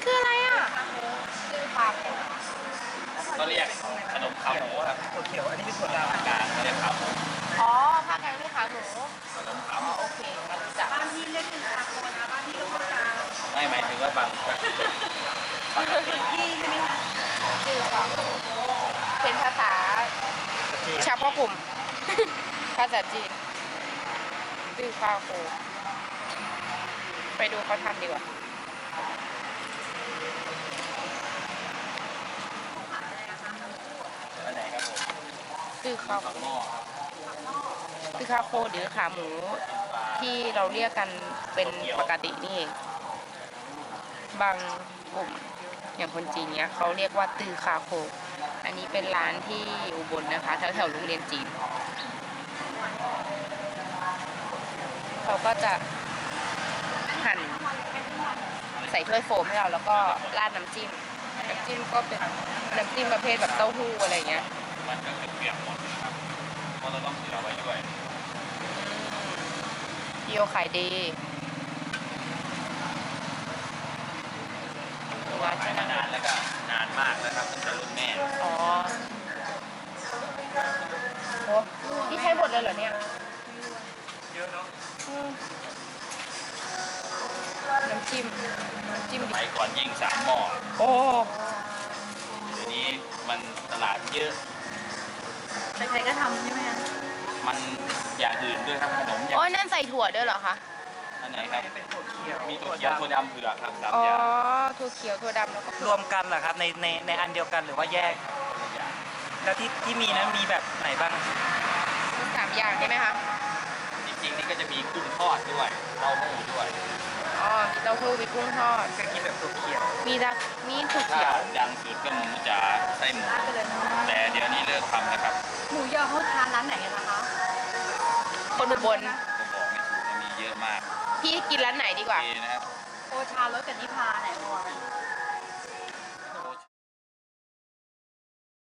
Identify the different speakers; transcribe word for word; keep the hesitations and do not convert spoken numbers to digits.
Speaker 1: คืออะไรอ่ะชื่อปลาแผ่น
Speaker 2: ก็เรียกขนมขาหมูครับ
Speaker 3: ถั่วเขียวอันนี้เป็นถั่วด
Speaker 2: กลางก็เรียกขาหมู
Speaker 1: อ๋อภาคกลางเรียกขาหมู
Speaker 2: ขนมขา
Speaker 1: อ๋
Speaker 2: ห
Speaker 1: อ
Speaker 2: มู
Speaker 1: โอเคงั้นรู้จัก
Speaker 4: บ้านที่เรียกเป็นคาโคนะบ้านที่เรียกว่าคา
Speaker 2: ไม่หมายถึงว่าบางปกติ
Speaker 4: ที่ใช่ไหมคะ
Speaker 1: ชื่อเขาเป็นภาษา
Speaker 3: ำจีน
Speaker 1: เฉพาะกลุ่ม ภาษาจีนชื่อข้าวโคไปดูเขาทำดีกว่า
Speaker 2: อันไหนครับผม
Speaker 1: ชื่อข้าว
Speaker 2: ปากหม้อครับ
Speaker 1: ชื่อข้าวโคหรือขาหมูที่เราเรียกกันเป็นปกตินี่เองบางกลุ่มอย่างคนจีนเนี้ยเขาเรียกว่าตือคาโค อันนี้เป็นร้านที่อุบลนะคะแถวแถวๆโรงเรียนจีนเขาก็จะหั่นใส่ถ้วยโฟมให้เราแล้วก็ราดน้ำจิ้มน้ำจิ้มก็เป็นน้ำจิ้มประเภทแบบเต้าหู้อะไรเงี้ย
Speaker 2: มันก็คือเปียกหมดนะครับเพราะเราต้องเผื่อไว้ด้วย
Speaker 1: พี่โอขายดีว่า
Speaker 2: ขายมานานแล้วก็นานมากแล้วครับตั้งแต่รุ่นแม่
Speaker 1: อ๋อโอ้นี่ใช้หมดเลยเหรอเนี่ย
Speaker 3: เยอะเนาะ
Speaker 1: อืมน้ำจิ้มน้ำจิ้ม
Speaker 2: ส
Speaker 1: ดิ
Speaker 2: มัยก่อนยิ่งสามหม้อ
Speaker 1: โอ้
Speaker 2: เดี๋ยวนี้มันตลาดเยอะ
Speaker 4: ใครๆก็ทำใช่ไหมคะ
Speaker 2: มันอย่างอื่นด้วยครับขนมอย่าง
Speaker 1: โอ้ยนั่นใส่ถั่วด้วยเหรอคะ
Speaker 2: อันไหนครับ
Speaker 3: เป็นถั่วเขียว
Speaker 2: มีตัวเขียวตัวดำเผือกครับสาม
Speaker 1: อ๋อ
Speaker 2: อย่าง
Speaker 1: ถั่วเขียวถั่วดำแล้วก็
Speaker 3: รวมกันเหรอครับในในในอันเดียวกันหรือว่าแยก
Speaker 2: ตัวอย่าง
Speaker 3: แล้วที่ที่มีนั้นมีแบบไหนบ้าง
Speaker 1: สามอย่างใช่ไหมคะ
Speaker 2: จริงๆนี่ก็จะมีกุ้งทอดด้วยเต้าหู้ด้วย
Speaker 1: อ๋อมีเต้าหู้มีกุ้งทอด
Speaker 3: เคยกินแบบถั่วเขียว
Speaker 1: มีดักมีถั่ว
Speaker 2: ถ้า
Speaker 1: เขียว
Speaker 2: ดังสุดก็หมูจ๋าไส้หมู
Speaker 4: ร้านไปเลยนะ
Speaker 2: แต่เดี๋ยวนี้เลิกทำนะครับ
Speaker 4: หมูยอเขาทานร้านไหนกันนะคะ
Speaker 1: คนอุบล
Speaker 2: ก็บอกไม่ถูกมันมีเยอะมาก
Speaker 1: พี่กินร้านไหนดีกว่า
Speaker 2: ดีนะครับ
Speaker 4: โอชารสกับนิพาไหนก่อน
Speaker 2: โ